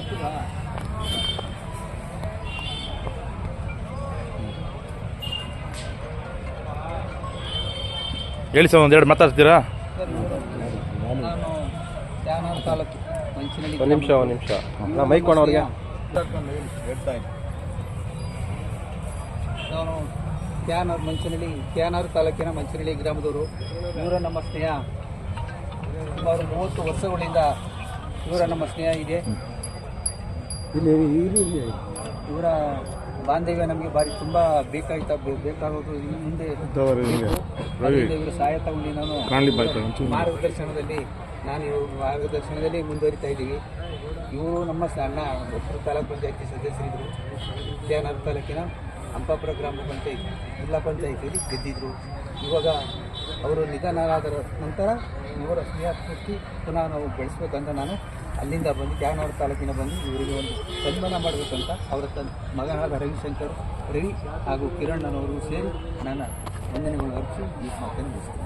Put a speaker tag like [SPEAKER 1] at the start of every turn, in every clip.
[SPEAKER 1] ಹೇಳಿ ಸರ್, ಒಂದೆರಡು ಮಾತಾಡ್ತೀರಾ?
[SPEAKER 2] ನಾನು ತ್ಯಾನೂರು ತಾಲೂಕು ಮಂಚಿನಳ್ಳಿ.
[SPEAKER 3] ಒಂದು ನಿಮಿಷ ನಾ ಮೈಕ್ ಕೊಡೋರಿಗೆ.
[SPEAKER 2] ನಾನು ತ್ಯಾನೂರು ಮಂಚಿನಳ್ಳಿ, ತ್ಯಾನೂರು ತಾಲೂಕಿನ ಮಂಚಿನಳ್ಳಿ ಗ್ರಾಮದವರು. ಇವರ ನಮ್ಮ ಸ್ನೇಹ ಸುಮಾರು 30 ವರ್ಷಗಳಿಂದ ಇವರ ನಮ್ಮ ಸ್ನೇಹ ಇದೆ. ಇವರ ಬಾಂಧವ್ಯ ನಮಗೆ ಭಾರಿ ತುಂಬ ಬೇಕಾಗೋದು. ಇನ್ನು ಮುಂದೆ ಇವರ ಸಹಾಯ ತಗೊಂಡು ನಾನು ಇವ್ರ ಮಾರ್ಗದರ್ಶನದಲ್ಲಿ ಮುಂದುವರಿತಾ ಇದ್ದೀವಿ. ಇವರು ನಮ್ಮ ಅಣ್ಣ ಒಬ್ಬರು ತಾಲೂಕು ಪಂಚಾಯತಿ ಸದಸ್ಯರಿದ್ದರು. ತ್ಯಾನೂರು ತಾಲೂಕಿನ ಹಂಪಾಪುರ ಗ್ರಾಮ ಪಂಚಾಯತಿ ಜಿಲ್ಲಾ ಪಂಚಾಯತಿಯಲ್ಲಿ ಗೆದ್ದಿದ್ರು. ಇವಾಗ ಅವರು ನಿಧನರಾದ ನಂತರ ಇವರ ಸ್ನೇಹ ಸ್ಫೂರ್ತಿ ಪುನಃ ನಾವು ಬೆಳೆಸ್ಬೇಕಂತ ನಾನು ಅಲ್ಲಿಂದ ಬಂದು ತ್ಯಾನೂರು ತಾಲೂಕಿನ ಬಂದು ಇವರಿಗೆ ಒಂದು ಸನ್ಮಾನ ಮಾಡಬೇಕಂತ ಅವರ ಮಗನಾದ ರವಿಶಂಕರ್ ರವಿ ಹಾಗೂ ಕಿರಣ್ ಸೇರಿ ನನ್ನ ವಂದನೆಗಳು ಅರ್ಪಿಸಿ ಈ ಮಾತನ್ನು ಮುಗಿಸ್ತೇನೆ.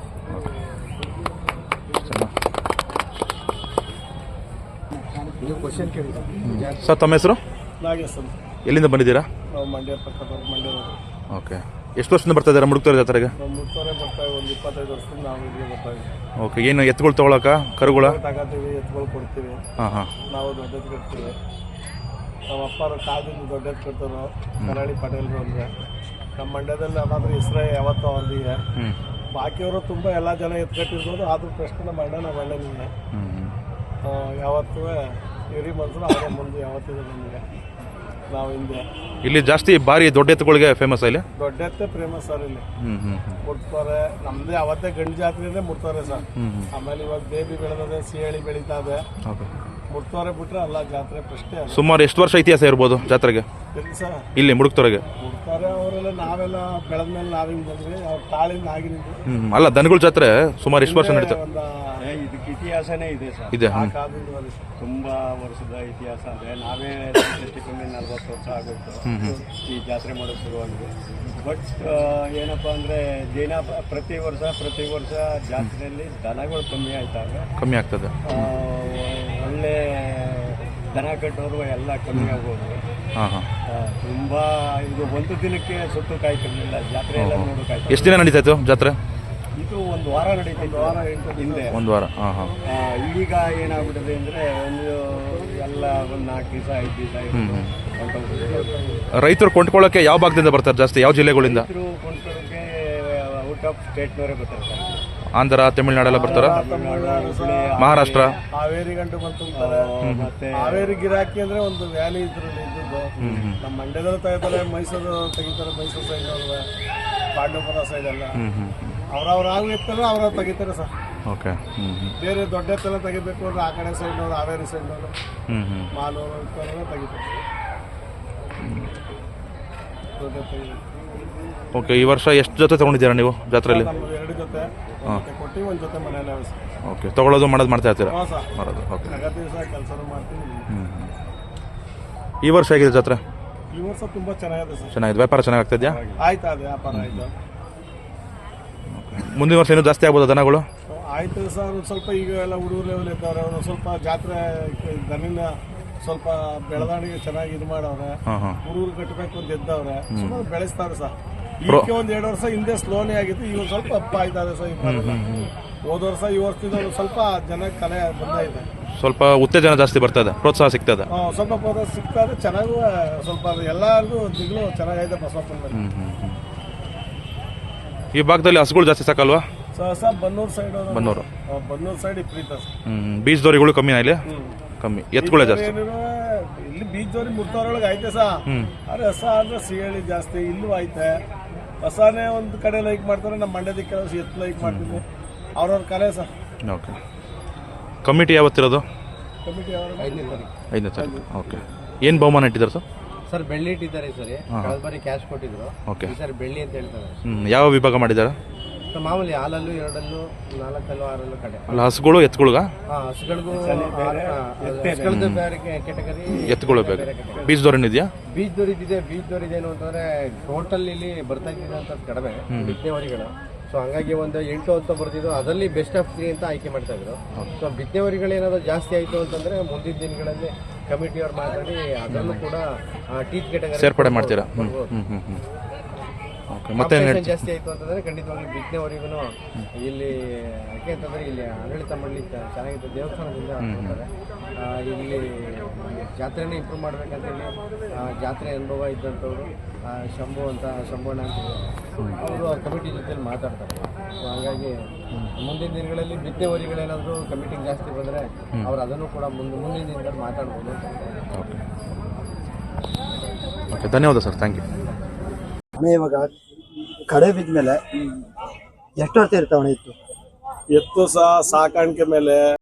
[SPEAKER 3] ನೀವು ಕ್ವಶನ್ ಕೇಳಿದ
[SPEAKER 1] ಸರ್, ತಮ್ಮ ಹೆಸರು?
[SPEAKER 3] ನಾಗೇಶ್.
[SPEAKER 1] ಎಲ್ಲಿಂದ ಬಂದಿದ್ದೀರಾ?
[SPEAKER 3] ನಾವು ಮಂಡ್ಯ ಪಕ್ಕದವ್ರು, ಮಂಡ್ಯದವರು.
[SPEAKER 1] ಓಕೆ. ಎಷ್ಟು ವರ್ಷದಿಂದ ಬರ್ತಾ ಇದ್ದೀರಾ ಮುಡುಕ್ತೋರೆ ಜಾತ್ರೆಗೆ?
[SPEAKER 3] ಮುಡ್ತೋರೆ ಬರ್ತಾ ಒಂದು 25 ವರ್ಷದಿಂದ ನಾವು ಇಲ್ಲಿಗೆ ಬರ್ತಾ ಇದ್ದೀವಿ.
[SPEAKER 1] ಓಕೆ. ಏನು ಎತ್ತುಗಳು ತೊಗೊಳಕ? ಕರುಗಳ
[SPEAKER 3] ತಗೋತೀವಿ, ಎತ್ತುಗಳು ಕೊಡ್ತೀವಿ. ನಾವು ದೊಡ್ಡದು ಕಟ್ತೀವಿ. ನಮ್ಮ ಅಪ್ಪರು ಕಾಲದಿಂದ ದೊಡ್ಡದು ಕಟ್ಟೋರು ಕರಾಳಿ ಪಟೇಲ್ರು ಅಂದರೆ. ನಮ್ಮ ಮಂಡ್ಯದಲ್ಲಿ ಅದಾದ್ರೂ ಹೆಸರೇ ಯಾವತ್ತೂ ಅವ್ರದಿಗೆ. ಬಾಕಿಯವರು ತುಂಬ ಎಲ್ಲ ಜನ ಎತ್ಕಟ್ಟಿರ್ಬೋದು. ಆದರೂ ಪ್ರಶ್ನೆ ನಮ್ಮ ಅಣ್ಣನಿಗೆ ಯಾವತ್ತೂ ಇಡೀ ಮನಸ್ಸು ಅವರೇ ಮುಂದೆ ಯಾವತ್ತಿದೆ ನಮಗೆ. ನಾವು ಹಿಂದೆ
[SPEAKER 1] ಇಲ್ಲಿ ಜಾಸ್ತಿ ಬಾರಿ ದೊಡ್ಡ ಎತ್ತುಗಳಿಗೆ ಫೇಮಸ್. ಇಲ್ಲಿ
[SPEAKER 3] ದೊಡ್ಡ ಎತ್ತೇ ಫೇಮಸ್ ಸರ್. ಇಲ್ಲಿ ಮುಡ್ತಾರೆ. ನಮ್ಮದೇ ಅವತ್ತೇ ಗಂಡು ಜಾತ್ರೆ ಮುಡ್ತಾರೆ ಸರ್. ಆಮೇಲೆ ಇವಾಗ ಬೇಬಿ ಬೆಳೆದದೆ, ಸಿಹಳಿ ಬೆಳೀತಾ ಇದೆ. ಮುಡ್ತಾರೆ ಬಿಟ್ರೆ ಅಲ್ಲ ಜಾತ್ರೆ ಪ್ರಶ್ನೆ.
[SPEAKER 1] ಸುಮಾರು ಎಷ್ಟು ವರ್ಷ ಇತಿಹಾಸ ಇರ್ಬೋದು ಜಾತ್ರೆಗೆ
[SPEAKER 3] ಸರ್ ಇಲ್ಲಿ
[SPEAKER 1] ಮುಡುಕ್ತೋರೆಗೆ? ಮುಡ್ತಾರೆ
[SPEAKER 3] ಅವರೆಲ್ಲ ನಾವೆಲ್ಲ ಬೆಳೆದ್ಮೇಲೆ ನಾವಿಂಗ್ ಬಂದ್ವಿ. ಅವ್ರ ತಾಳಿಂದ ಆಗಿನಿಂದ
[SPEAKER 1] ಅಲ್ಲ, ದನಗಳ ಜಾತ್ರೆ ಸುಮಾರು ಎಷ್ಟು ವರ್ಷ ನಡೀತಾ?
[SPEAKER 3] ಇದಕ್ಕೆ ಇತಿಹಾಸನೇ ಇದೆ ಸರ್.
[SPEAKER 1] ಇದೆ,
[SPEAKER 3] ತುಂಬಾ ವರ್ಷದ ಇತಿಹಾಸ ಇದೆ. ನಾವೇ ಕಮ್ಮಿ 40 ವರ್ಷ ಆಗುತ್ತೆ ಈ ಜಾತ್ರೆ ಮಾಡೋದು ಶುರುವಾಗಿದೆ. ಬಟ್ ಏನಪ್ಪ ಅಂದರೆ ದಿನ ಪ್ರತಿ ವರ್ಷ ಜಾತ್ರೆಯಲ್ಲಿ ದನಗಳು ಕಮ್ಮಿ ಆಗ್ತದೆ. ಒಳ್ಳೆ ದನ ಕಟ್ಟೋರು ಎಲ್ಲ ಕಮ್ಮಿ ಆಗೋದು. ತುಂಬ ಇದು ಒಂದು ದಿನಕ್ಕೆ ಸುತ್ತು ಕಾಯ್ತಿರ್ಲಿಲ್ಲ. ಜಾತ್ರೆ ಎಲ್ಲ ನೋಡು ಕಾಯ್ತು.
[SPEAKER 1] ಎಷ್ಟು ದಿನ ನಡೀತಾ ಇತ್ತು ಜಾತ್ರೆ?
[SPEAKER 3] ಇದು ಒಂದು ವಾರ ನಡೀತಿತ್ತು. ಹಿಂದೆ
[SPEAKER 1] ಒಂದು ವಾರ.
[SPEAKER 3] ಈಗ ಏನಾಗ್ಬಿಟ್ಟಿದೆ ಅಂದರೆ ಎಲ್ಲ ಒಂದು 4 ದಿವಸ 5 ದಿವಸ.
[SPEAKER 1] ರೈತರು ಕೊಂಡ್ಕೊಳ್ಳೋಕೆ ಯಾವ ಭಾಗದಿಂದ ಬರ್ತಾರೆ ಜಾಸ್ತಿ? ಯಾವ ಜಿಲ್ಲೆಗಳಿಂದ?
[SPEAKER 3] ರೈತರು ಕೊಂಡ್ಕೊಳ್ಳೋಕೆ ಔಟ್ ಆಫ್ ಸ್ಟೇಟ್ನವರೇ ಬರ್ತಾರೆ ಸರ್.
[SPEAKER 1] ಆಂಧ್ರ, ತಮಿಳುನಾಡೆಲ್ಲ ಬರ್ತಾರ? ಮಹಾರಾಷ್ಟ್ರ,
[SPEAKER 3] ಹಾವೇರಿ ಗಂಟು ಬಂತು. ಮತ್ತೆ ಹಾವೇರಿ ಗಿರಾಕಿ ಅಂದ್ರೆ ಒಂದು ವ್ಯಾಲಿ ಇದ್ರಲ್ಲಿ ಇದ್ದದ್ದು. ನಮ್ಮ ಮಂಡ್ಯದಲ್ಲೂ ತೆಗಿತಾರೆ, ಮೈಸೂರು ತೆಗಿತಾರೆ, ಮೈಸೂರು ಸೈಡ್ ಅವ್ರ ಪಾಂಡವಪುರ ಸೈಡ್ ಎಲ್ಲ ಅವ್ರವ್ರ ಎತ್ತಲ್ಲ ಅವ್ರವ್ರು ತೆಗಿತಾರೆ ಸರ್.
[SPEAKER 1] ಓಕೆ.
[SPEAKER 3] ಬೇರೆ ದೊಡ್ಡ ಎತ್ತೆಲ್ಲ ತೆಗಿಬೇಕು ಅಂದ್ರೆ ಆ ಕಡೆ ಸೈಡ್ನವ್ರು, ಹಾವೇರಿ ಸೈಡ್ನವರು, ಮಾಲೂರು ಇತ್ತವರೆಲ್ಲ ತೆಗಿತಾರೆ. ದೊಡ್ಡ ತೆಗಿಬೇಕು.
[SPEAKER 1] ಓಕೆ. ಈ ವರ್ಷ ಎಷ್ಟು ಜೊತೆ ತೊಗೊಂಡಿದ್ದೀರಾ ನೀವು ಜಾತ್ರೆಯಲ್ಲಿ?
[SPEAKER 3] 2 ಜೊತೆ ಕೊಟ್ಟು, 1 ಜೊತೆ ಮನೆಯಲ್ಲೇ.
[SPEAKER 1] ಓಕೆ. ತೊಗೊಳ್ಳೋದು ಮಾಡೋದು ಮಾಡ್ತಾ ಇರ್ತೀರಾ? ಮಾಡೋದು. ಓಕೆ.
[SPEAKER 3] ಕೆಲಸ ಮಾಡ್ತೀನಿ.
[SPEAKER 1] ಈ ವರ್ಷ ಹೇಗಿದೆ ಜಾತ್ರೆ?
[SPEAKER 3] ಈ ವರ್ಷ ತುಂಬಾ ಚೆನ್ನಾಗಿದೆ ಸರ್.
[SPEAKER 1] ಚೆನ್ನಾಗಿದೆ. ವ್ಯಾಪಾರ ಚೆನ್ನಾಗಿ ಆಗ್ತಿದ್ಯಾ?
[SPEAKER 3] ಆಯ್ತು, ಅದು ವ್ಯಾಪಾರ ಆಯ್ತು.
[SPEAKER 1] ಮುಂದಿನ ವರ್ಷ ಇನ್ನೂ ಜಾಸ್ತಿ ಆಗ್ಬೋದು ದನಗಳು?
[SPEAKER 3] ಆಯ್ತು ಸರ್. ಒಂದು ಸ್ವಲ್ಪ ಈಗ ಎಲ್ಲ ಹುಡುಗರು ಲೆವೆಲ್ ಇದ್ದವ್ರೆ. ಒಂದು ಸ್ವಲ್ಪ ಜಾತ್ರೆ ದನಿನ ಸ್ವಲ್ಪ ಬೆಳವಣಿಗೆ ಚೆನ್ನಾಗಿ ಇದು ಮಾಡವ್ರೆ. ಹುಡುಗರು ಕಟ್ಟಬೇಕು ಅಂತ ಎದ್ದವ್ರೆ. ಸುಮಾರು ಬೆಳೆಸ್ತಾರೆ ಸರ್. ಈಗ ಒಂದು 2 ವರ್ಷ ಹಿಂದೆ ಸ್ಲೋನೇ ಆಗಿತ್ತು. ಈಗ ಸ್ವಲ್ಪ ಅಪ್ಪ ಆಯ್ತಾರೆ ಸರ್. ಹೋದ ವರ್ಷ ಈ ವರ್ಷದಿಂದ ಸ್ವಲ್ಪ ಜನ ಕಲೆ ಬಂದಾಯಿದೆ.
[SPEAKER 1] ಸ್ವಲ್ಪ ಉತ್ತೇಜನ ಜಾಸ್ತಿ ಬರ್ತದೆ, ಪ್ರೋತ್ಸಾಹ ಸಿಗ್ತದೆ.
[SPEAKER 3] ಸ್ವಲ್ಪ ಪ್ರೋತ್ಸಾಹ ಸಿಗ್ತದೆ. ಚೆನ್ನಾಗೂ ಸ್ವಲ್ಪ ಎಲ್ಲರಿಗೂ ದಿಗ್ಲು ಚೆನ್ನಾಗಿದೆ ಬಸವಪ್ಪನಲ್ಲಿ.
[SPEAKER 1] ಈ ಭಾಗದಲ್ಲಿ ಹಸುಗಳು ಜಾಸ್ತಿ ಸಾಕಲ್ವಾ?
[SPEAKER 3] Sir Bannur side.
[SPEAKER 1] Bannur
[SPEAKER 3] side ವಿಪರೀತ.
[SPEAKER 1] ಬೀಜದೋರಿಗಳು ಕಮ್ಮಿನಾ ಇಲ್ಲಿ? ಕಮ್ಮಿ. ಎತ್ತುಗಳೇ ಜಾಸ್ತಿ
[SPEAKER 3] ಇಲ್ಲಿ. ಬೀಜದೋರಿ ಮುರ್ತವ್ರೊಳಗೆ ಐತೆ ಸರ್. ಆದ್ರೆ ಹೊಸ ಅಂದ್ರೆ ಸಿಹಳಿ ಜಾಸ್ತಿ ಇಲ್ಲೂ ಐತೆ. ಹೊಸನೇ ಒಂದು ಕಡೆ ಲೈಕ್ ಮಾಡ್ತಾರೆ. ನಮ್ಮ ಮಂಡ್ಯದ ಕೆಲಸ ಎತ್ತು ಲೈಕ್ ಮಾಡ್ತೀವಿ. ಅವ್ರವ್ರ ಕಲೆ ಸರ್.
[SPEAKER 1] ಓಕೆ. ಕಮಿಟಿ ಯಾವತ್ತಿರೋದು?
[SPEAKER 3] ಕಮಿಟಿ
[SPEAKER 2] 5ನೇ
[SPEAKER 1] ತಾರೀಕು. ಓಕೆ. ಏನು ಬಹುಮಾನ ಇಟ್ಟಿದ್ದಾರೆ ಸರ್?
[SPEAKER 2] ಸರ್ ಬೆಳ್ಳಿ ಇಟ್ಟಿದ್ದಾರೆ ಈ ಸರಿ. ಕಳೆದ ಬಾರಿ ಕ್ಯಾಶ್ ಕೊಟ್ಟಿದ್ರು.
[SPEAKER 1] ಓಕೆ.
[SPEAKER 2] ಈ ಸರಿ ಬೆಳ್ಳಿ ಅಂತ ಹೇಳ್ತಾರೆ.
[SPEAKER 1] ಯಾವ ವಿಭಾಗ ಮಾಡಿದ್ದಾರೆ?
[SPEAKER 2] ಮಾಮೂಲಿ ಹಾಲಲ್ಲೂ 2, 4, 6 ಕಡೆ.
[SPEAKER 1] ಅಲ್ಲ, ಹಸುಗಳು ಎತ್ತುಗಳಿಗ?
[SPEAKER 2] ಹಸುಗಳಿಗೂ ಬೇರೆ ಕೆಟಗರಿ,
[SPEAKER 1] ಎತ್ತುಗಳು ಬೇರೆ. ಬೀಜದೋರಿನ ಇದೆಯಾ?
[SPEAKER 2] ಬೀಜದೋರಿದೆ. ಬೀಜದೋರಿದೇನು ಅಂತಂದ್ರೆ ಟೋಟಲ್ ಇಲ್ಲಿ ಬರ್ತಾ ಇದ್ದಿದೆ ಅಂತ ಕಡಿಮೆ ಬಿತ್ತನೆವರಿಗಳು. ಸೊ ಹಂಗಾಗಿ ಒಂದು 8 ಅಂತ ಬರ್ತಿದ್ದು. ಅದರಲ್ಲಿ ಬೆಸ್ಟ್ ಆಫ್ 3 ಅಂತ ಆಯ್ಕೆ ಮಾಡ್ತಾ ಇದ್ರು. ಸೊ ಬಿತ್ತನೆವರಿಗಳು ಏನಾದ್ರು ಜಾಸ್ತಿ ಆಯಿತು ಅಂತಂದರೆ ಮುಂದಿನ ದಿನಗಳಲ್ಲಿ
[SPEAKER 4] ಕಮಿಟಿಯವ್ರು ಮಾತಾಡಿ ಅದನ್ನು ಕೂಡ ಟೀಚ್ ಕೆಟಗರಿ
[SPEAKER 1] ಸೇರ್ಪಡೆ ಮಾಡ್ತೀರಾ? ಓಕೆ, ಮತ್ತೆ
[SPEAKER 4] ಜಾಸ್ತಿ ಆಯಿತು ಅಂತಂದರೆ ಖಂಡಿತವಾಗ್ಲೂ ಬಿತ್ತನೆವರೆಗೂ ಇಲ್ಲಿ ಯಾಕೆ ಅಂತಂದರೆ ಇಲ್ಲಿ ಆಡಳಿತ ಮಾಡಲಿ ಚೆನ್ನಾಗಿತ್ತು, ದೇವಸ್ಥಾನದಿಂದ ಕೊಡ್ತಾರೆ. ಇಲ್ಲಿ ಜಾತ್ರೆನೇ ಇಂಪ್ರೂವ್ ಮಾಡ್ಬೇಕಂತೇಳಿ ಜಾತ್ರೆ ಅನುಭವ ಇದ್ದಂಥವ್ರು ಶಂಭೋಣ ಅಂತ ಅವರು ಆ ಕಮಿಟಿ ಜೊತೆಲಿ ಮಾತಾಡ್ತಾರೆ. ಹಾಗಾಗಿ ಮುಂದಿನ ದಿನಗಳಲ್ಲಿ ಬಿತ್ತನೆವರಿಗಳೇನಾದರೂ ಕಮಿಟಿಗೆ ಜಾಸ್ತಿ ಬಂದರೆ ಅವ್ರು ಅದನ್ನು ಕೂಡ ಮುಂದಿನ ದಿನದಲ್ಲಿ ಮಾತಾಡ್ಬೋದು.
[SPEAKER 1] ಓಕೆ, ಧನ್ಯವಾದ ಸರ್, ಥ್ಯಾಂಕ್ ಯು.
[SPEAKER 5] ಅಣ್ಣ ಇವಾಗ ಕಡೆ ಬಿದ್ದ ಮೇಲೆ ಎಷ್ಟು ವರ್ಷ ಇರ್ತಾವಣ ಇತ್ತು?
[SPEAKER 6] ಎತ್ತು ಸಹ ಸಾಕಾಣಿಕೆ ಮೇಲೆ